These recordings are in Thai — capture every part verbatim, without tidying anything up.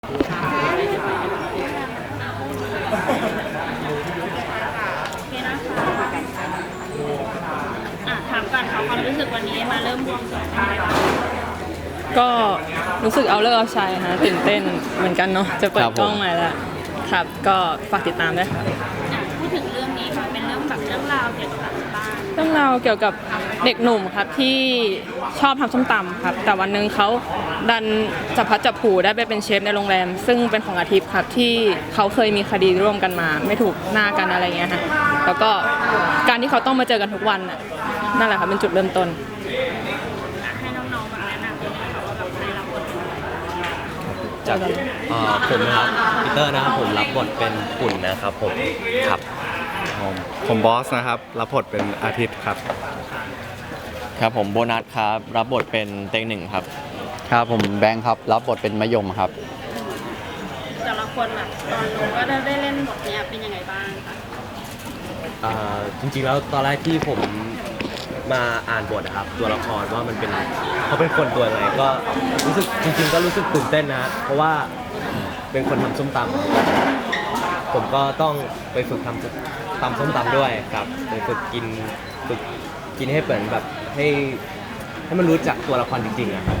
ถามก่อนค่ะความรู้สึกวันนี้มาเริ่มบวงสรวงอะไรบ้างก็รู้สึกเอาเลิกเอาชัยนะตื่นเต้นเหมือนกันเนาะจะเปิดกล้องใหม่แล้วครับก็ฝากติดตามด้วยค่ะพูดถึงเรื่องนี้ค่ะเป็นเรื่องแบบเรื่องราวเกี่ยวกับบ้านเรื่องราวเกี่ยวกับเด็กหนุ่มครับที่ชอบทำส้มตำครับแต่วันนึงเขาดันจับพัดจับผูได้ไปเป็นเชฟในโรงแรมซึ่งเป็นของอาทิตย์ครับที่เขาเคยมีคดีร่วมกันมาไม่ถูกหน้ากันอะไรเงี้ยฮะแล้วก็การที่เขาต้องมาเจอกันทุกวันน่ะนั่นแหละครับเป็นจุดเริ่มต้นให้น้องๆมาแนะนำด้วยค่ะว่าแบบใครรับบทจากผมนะครับปีเตอร์นะครับผมรับบทเป็นปุ่นนะครับผมครับผมผมบอสนะครับรับบทเป็นอาทิตย์ครับครับผมโบนัสครับรับบทเป็นเต็งหนึ่งครับครับผมแบงค์ครับรับบทเป็นมะยมครับแต่ละคนแบบตอนลงก็ได้เล่นบทนี้เป็นยังไงบ้างคะจริงๆแล้วตอนแรกที่ผมมาอ่านบทนะครับตัวละครว่ามันเป็นเขาเป็นคนตัวอะไรก็รู้สึกจริงๆก็รู้สึกตื่นเต้นนะเพราะว่าเป็นคนทำส้มตำผมก็ต้องไปฝึกทำตำส้มตำด้วยครับไปฝึกกินฝึกกินให้เหมือนแบบให้ให้มันรู้จักตัวละครจริงๆอะครับ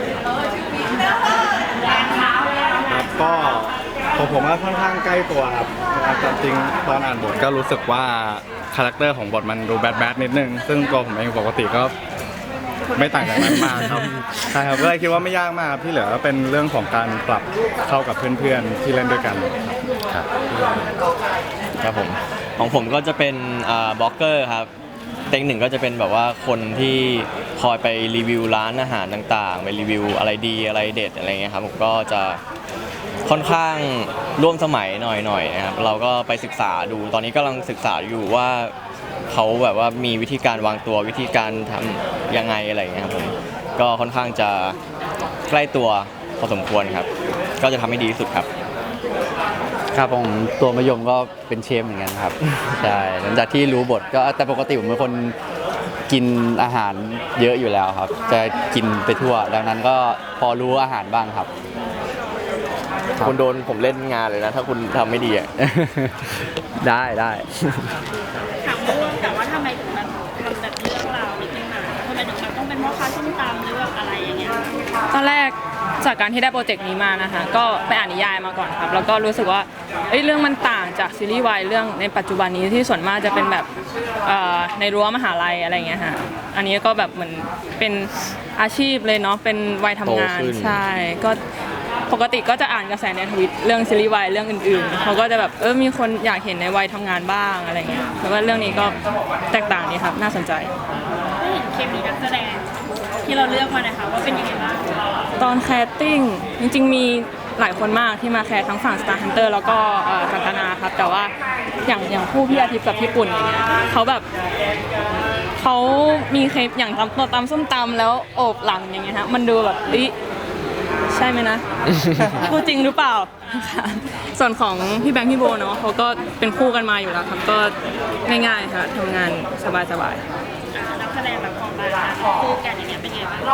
ครับก็ผมผมก็ค่อนข้างใกล้ตัวครับจริงตอนอ่านบทก็รู้สึกว่าคาแรคเตอร์ของบทมันดูแบดแบดนิดนึงซึ่งตัวผมเองปกติก็ไม่ต่างจากนั้นมากครับใช่ครับก็เลยคิดว่าไม่ยากมากที่เหลือก็เป็นเรื่องของการปรับเข้ากับเพื่อนๆที่เล่นด้วยกันครับครับผมของผมก็จะเป็นบล็อกเกอร์ครับเต็งหนึ่งก็จะเป็นแบบว่าคนที่คอยไปรีวิวร้านอาหารต่างๆไปรีวิวอะไรดีอะไรเด็ดอะไรเงี้ยครับผมก็จะค่อนข้างร่วมสมัยหน่อยๆนะครับเราก็ไปศึกษาดูตอนนี้กำลังศึกษาอยู่ว่าเขาแบบว่ามีวิธีการวางตัววิธีการทำยังไงอะไรเงี้ยครับผมก็ค่อนข้างจะใกล้ตัวพอสมควรครับก็จะทำให้ดีที่สุดครับครับผมตัวมะยมก็เป็นเชฟเหมือนกันครับใช่หลังจากที่รู้บทก็แต่ปกติผมเป็นคนกินอาหารเยอะอยู่แล้วครับจะกินไปทั่วดังนั้นก็พอรู้อาหารบ้างครับคุณโดนผมเล่นงานเลยนะถ้าคุณทำไม่ดีอ่ะได้ได้ถามเรื่องแต่ว่าทำไมถึงมันมันแบบเรื่องราวนิดนึงนะทำไมถึงมันต้องเป็นพ่อค้าส้มตำหรือแบบอะไรอย่างเงี้ยตอนแรกจากการที่ได้โปรเจกต์นี้มานะคะก็ไปอ่านนิยายมาก่อนครับแล้วก็รู้สึกว่าเอ้ยเรื่องมันต่างจากซีรีส์วายเรื่องในปัจจุบันนี้ที่ส่วนมากจะเป็นแบบในรั้วมหาลัยอะไรเงี้ยฮะอันนี้ก็แบบเหมือนเป็นอาชีพเลยเนาะเป็นวัยทำงานใช่ก็ปกติก็จะอ่านกระแสในทวิตเรื่องซีรีส์วายเรื่องอื่นๆเขาก็จะแบบเออมีคนอยากเห็นในวัยทำงานบ้างอะไรเงี้ยแล้วก็เรื่องนี้ก็แตกต่างดีครับน่าสนใจได้เห็นเคมีนักแสดงที่เราเลือกมานะคะว่าเป็นยังไงบ้างตอนแคสติ้งจริงๆมีหลายคนมากที่มาแคสทั้งฝั่ง Star Hunter แล้วก็กันตนาครับแต่ว่าอย่างอย่างคู่พี่อาทิตย์กับพี่ปุ่นอย่างเงี้ยเขาแบบเขามีเคปอย่างตำตัวตำส้มตำแล้วโอบหลังอย่างเงี้ยฮะมันดูแบบอิใช่ไหมนะพูดจริงหรือเปล่าส่วนของพี่แบงค์พี่โบเนาะเขาก็เป็นคู่กันมาอยู่แล้วครับก็ง่ายๆค่ะทำงานสบายๆนักแสดงแบบของบ้านคู่กันอย่างเงี้ยเป็นไงบ้าง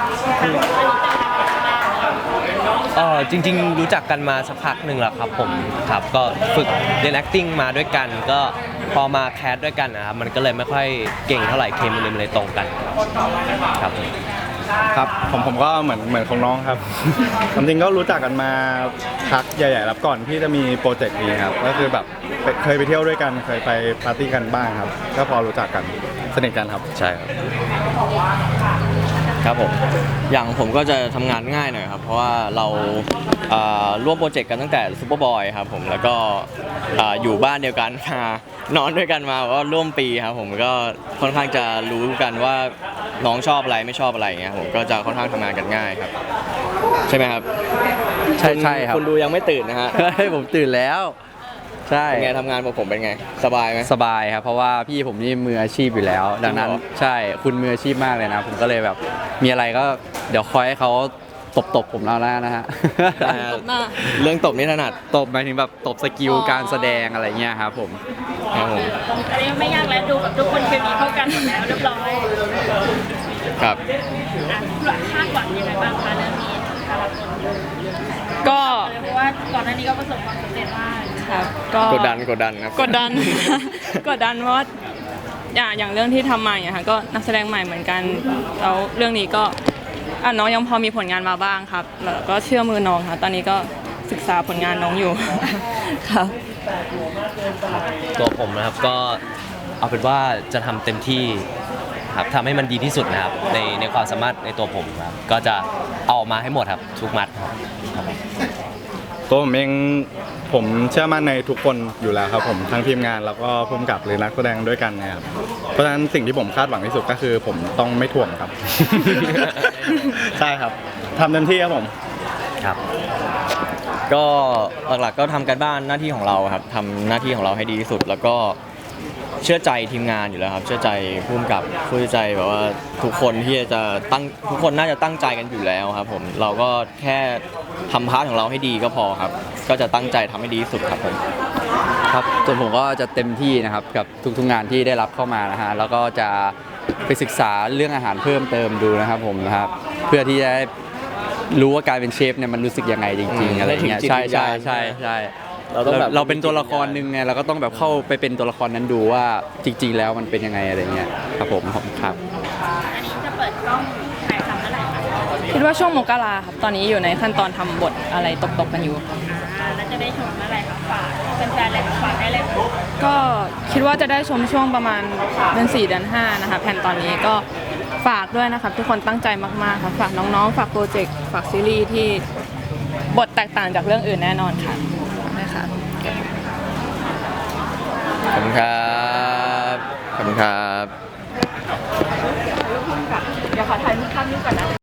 อ๋อจริงๆรู้จักกันมาสักพักหนึ่งแล้วครับผมครับก็ฝึกเรียน acting มาด้วยกันก็พอมาแคสด้วยกันนะครับมันก็เลยไม่ค่อยเก่งเท่าไหร่เคมีมันเลยตรงกันครับครับผมผมก็เหมือนเหมือนของน้องครับจริงๆก็รู้จักกันมาพักใหญ่ๆแล้วก่อนที่จะมีโปรเจกต์นี้ครับก็คือแบบเคยไปเที่ยวด้วยกันเคยไปปาร์ตี้กันบ้างครับก็พอรู้จักกันสนิทกันครับใช่ครับครับผมอย่างผมก็จะทำงานง่ายหน่อยครับเพราะว่าเราร่วมโปรเจกต์กันตั้งแต่ซูเปอร์บอยครับผมแล้วก็อยู่บ้านเดียวกันมานอนด้วยกันมาว่าร่วมปีครับผมก็ค่อนข้างจะรู้กันว่าน้องชอบอะไรไม่ชอบอะไรอย่างเงี้ยผมก็จะค่อนข้างทำงานกันง่ายครับใช่ไหมครับใช่ใช่ครับคุณดูยังไม่ตื่นนะฮะผมตื่นแล้วใช่เป็นไงทำงานกับผมเป็นไงสบายไหมสบายครับเพราะว่าพี่ผมนี่มืออาชีพอยู่แล้วดังนั้นใช่คุณมืออาชีพมากเลยนะผมก็เลยแบบมีอะไรก็เดี๋ยวคอยให้เขาตบตบผมแล้วนะฮะเรื่องตบนี่ถนัดตบหมายถึงแบบตบสกิลการแสดงอะไรเงี้ยครับผมครับผมอันนี้ไม่ยากแล้วดูแบบทุกคนเคมีเข้ากันหมดแล้วเรียบร้อยครับคาดหวังยังไงบ้างคะเรื่องนี้ก็ก่อนหน้านี้ก็ประสบความสำเร็จมากครับก็กดดันกดดันครับกดดัน กดดันเพราะว่าอย่างอย่างเรื่องที่ทำมาอย่างเงี้ยค่ะก็นักแสดงใหม่เหมือนกันแล้วเรื่องนี้ก็อ่ะน้องยังพอมีผลงานมาบ้างครับแล้วก็เชื่อมือน้องค่ะตอนนี้ก็ศึกษาผลงานน้องอยู่ ครับตัวผมนะครับก็เอาเป็นว่าจะทำเต็มที่ครับทำให้มันดีที่สุดนะครับในในความสามารถในตัวผมครับก็จะเอาออกมาให้หมดครับทุกมัดครับครับผมตัวผมเองผมเชื่อมั่นในทุกคนอยู่แล้วครับผมทั้งทีมงานแล้วก็ผู้กำกับหรือนักแสดงด้วยกันนะครับเพราะฉะนั้นสิ่งที่ผมคาดหวังที่สุดก็คือผมต้องไม่ถ่วงครับ ใช่ครับทำเต็มที่ครับผมครับก็หลักๆก็ทำการบ้านหน้าที่ของเราครับทำหน้าที่ของเราให้ดีที่สุด แล้วก็เชื่อใจทีมงานอยู่แล้วครับ เชื่อใจผู้กำกับเชื่อใจแบบว่าทุกคนที่จะตั้งทุกคนน่าจะตั้งใจกันอยู่แล้วครับผมเราก็แค่ทำพาร์ทของเราให้ดีก็พอครับ ก็จะตั้งใจทำให้ดีที่สุดครับผมครับส่วนผมก็จะเต็มที่นะครับกับทุกๆงานที่ได้รับเข้ามานะฮะแล้วก็จะไปศึกษาเรื่องอาหารเพิ่มเติมดูนะครับผมนะครับเพื่อที่จะได้รู้ว่าการเป็นเชฟเนี่ยมันรู้สึกยังไงจริงอืมๆอะไรเงี้ยถึงจิตใช่วิญใช่ญาณใช่ใช่เราต้องแบบเราเป็นตัวละครหนึ่งไงเราก็ต้องแบบเข้าไปเป็นตัวละครนั้นดูว่าจริง ๆ แล้วมันเป็นยังไงอะไรเงี้ยครับผมผมครับอันนี้จะเปิดกล้องถ่ายทำเมื่อไหร่คะคิดว่าช่วงมกราครับตอนนี้อยู่ในขั้นตอนทำบทอะไรตกๆกันอยู่อ่าแล้วจะได้ชมเมื่อไหร่คะฝากเป็นแฟนๆเลยค่ะฝากได้เลยค่ะก็คิดว่าจะได้ชมช่วงประมาณเดือนสี่เดือนห้านะคะแผนตอนนี้ก็ฝากด้วยนะครับทุกคนตั้งใจมากๆค่ะฝากน้องๆ ฝากโปรเจกต์ฝากซีรีส์ที่บทแตกต่างจากเรื่องอื่นแน่นอนค่ะฝากด้วยค่ะขอบคุณครับขอบคุณครับเดี๋ยวขอถ่ายรูปภาพนี้ก่อนนะ